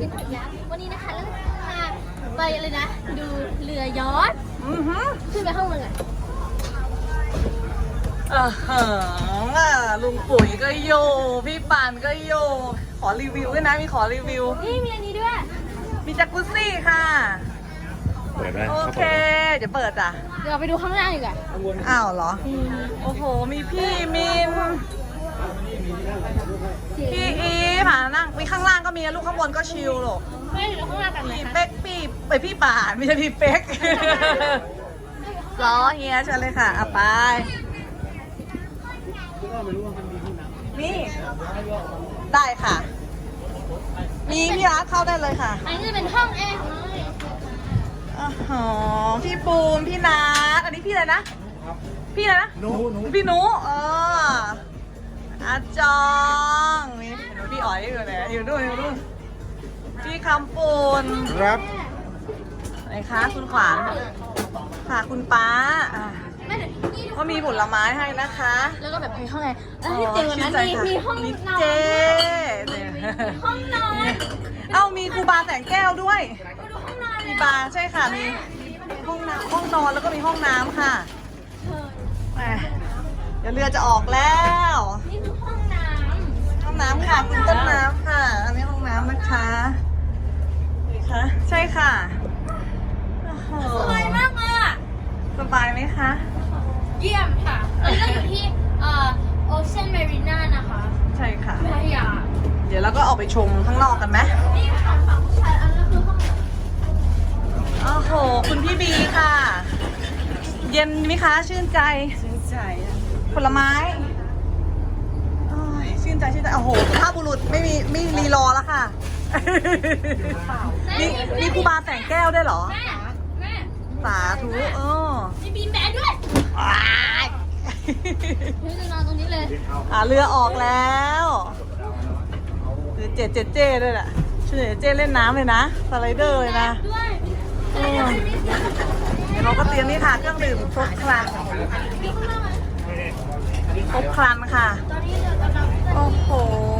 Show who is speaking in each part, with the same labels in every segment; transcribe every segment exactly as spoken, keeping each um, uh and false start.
Speaker 1: กินหอยยักษ์วันนี้นะคะแล้วพาไปเลยนะดูเรือยอชต์ขึ้นไปข้างบนก่อน
Speaker 2: เออเหอลุงปุ๋ยก็โยพี่ปานก็โยขอรีวิวด้วยนะมีขอรีวิว
Speaker 1: นี่มีอันนี้ด้วย
Speaker 2: มีจักรุซี่ค่ะ
Speaker 3: เปิดไหม
Speaker 2: โอเคเดี๋ยวเปิดจ้ะ
Speaker 1: เดี๋ยวไปดูข้างล่างดีกว่า
Speaker 2: อ้าวเหรอโอ้โหมีพี่มินพี่อีผ่านั่งมีข้างล่างก็มีลูกข้างบนก็ชิลหรอก
Speaker 1: ไม่เดี๋ยวข้างล่างกันไหม
Speaker 2: พี่
Speaker 1: คะ
Speaker 2: เป๊กพี่ไปพี่ป่านไม่ใช่พี่เป๊กล้อเฮียเชิญเลยค่ะอ่ะไปนี่ได้ค่ะมีพี่รักเข้าได้เลยค่ะ
Speaker 1: อันนี้จะเป็นห้องแอร์ของเราเลย
Speaker 2: อ๋อพี่ปูนพี่นัทอันนี้พี่อะไรนะพี่อะไรนะหนูพี่หนูเอออาจองนี่พี่อ๋อยอยู่ไหนอยู่ด้วยอยู่ด้วยพี่คำปูน
Speaker 3: ครับ
Speaker 2: ไหนคะคุณขวานค่ะคุณป้าก็มีผลไม้ให้นะคะ
Speaker 1: แล้วก็แบบให้ข้างในแล้วที่เจ๋งกว่านั้นมีมีห้องนอน
Speaker 2: เจ
Speaker 1: ห้องนอน
Speaker 2: เอ้ามีครูบาแสงแก้วด้วยมีบาร์ใช่ค่ะมีห้องน้ำห้องนอนแล้วก็มีห้องน้ำค่ะเดี๋ยวเรือจะออกแล้ว
Speaker 1: นี่คือห้องน้ำ
Speaker 2: ห้องน้ำค่ะคุณต้นน้ำค่ะอันนี้ห้องน้ำนะคะนี่ค่ะใช่ค่ะ
Speaker 1: สวยมากเลยอ่ะ
Speaker 2: สบายไหมคะ
Speaker 1: เยี่ยมค่ะอันนี้ก็อยู่ที่เอ่อโอเชียนเมรีนานะคะ
Speaker 2: ใช่ค่ะ
Speaker 1: พัทยา
Speaker 2: เดี๋ยวเราก็ออกไปชมข้างนอกกันไหม
Speaker 1: นี่ค่ะฝั่งผู้ชายอันนั้นคือห้อง
Speaker 2: โอ้โหคุณพี่บีค่ะ เย็นไหมคะชื่นใจชื่นใจผลไม้ชื่นใจชื่นใจโอ้โหสุภาพบุรุษไม่มีไม่รีรอแล้วค่ะมีมีครูบาแสงแก้วด้วยเหรอ
Speaker 1: แม่แม่
Speaker 2: สาธุเออ
Speaker 1: มีบีมแบนด้วยเฮ้ยจะนอนตรงนี้เลย
Speaker 2: อ่าเรือออกแล้วคือเจเจเจด้วยแหละชื่อเจเล่นน้ำเลยนะสไลเดอร์เลยนะเดี๋ยวเราก็เตรียมนี่ค่ะเครื่องดื่มครบครันครบครันค่ะโอ้โห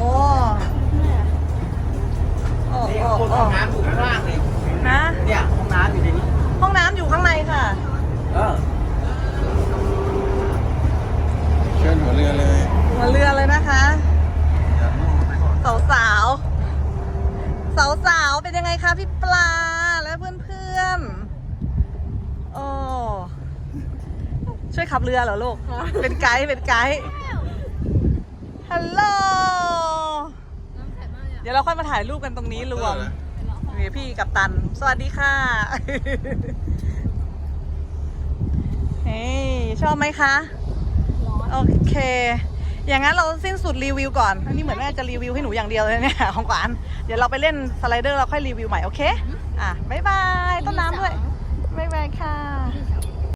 Speaker 2: โอ้โหห้องน้ำอยู่ข้างล่างเลยนะเนี่ยห้องน้ำอยู่ในนี้ห้องน้ำอยู่ข้างในค่ะเออ
Speaker 3: เชิญหัวเรือเลย
Speaker 2: หัวเรือเลยนะคะสาวสาวสาวสาวเป็นยังไงคะพี่ปลาและเพื่อนเพื่อนโอ้ช่วยขับเรือเหรอลูกเป็นไกด์เป็นไกด์ฮัลโหลเดี๋ยวเราค่อยมาถ่ายรูปกันตรงนี้รวมนี่พี่กัปตันสวัสดีค่ะเฮ้ยชอบไหมคะโอเคอย่างนั้นเราสิ้นสุดรีวิวก่อนอันนี้เหมือนแม่จะรีวิวให้หนูอย่างเดียวเลยเนี่ยของขวัญเดี๋ยวเราไปเล่นสไลเดอร์เราค่อยรีวิวใหม่โอเคอ่ะบ๊ายบายต้นน้ำด้วยบ๊ายบายค่ะ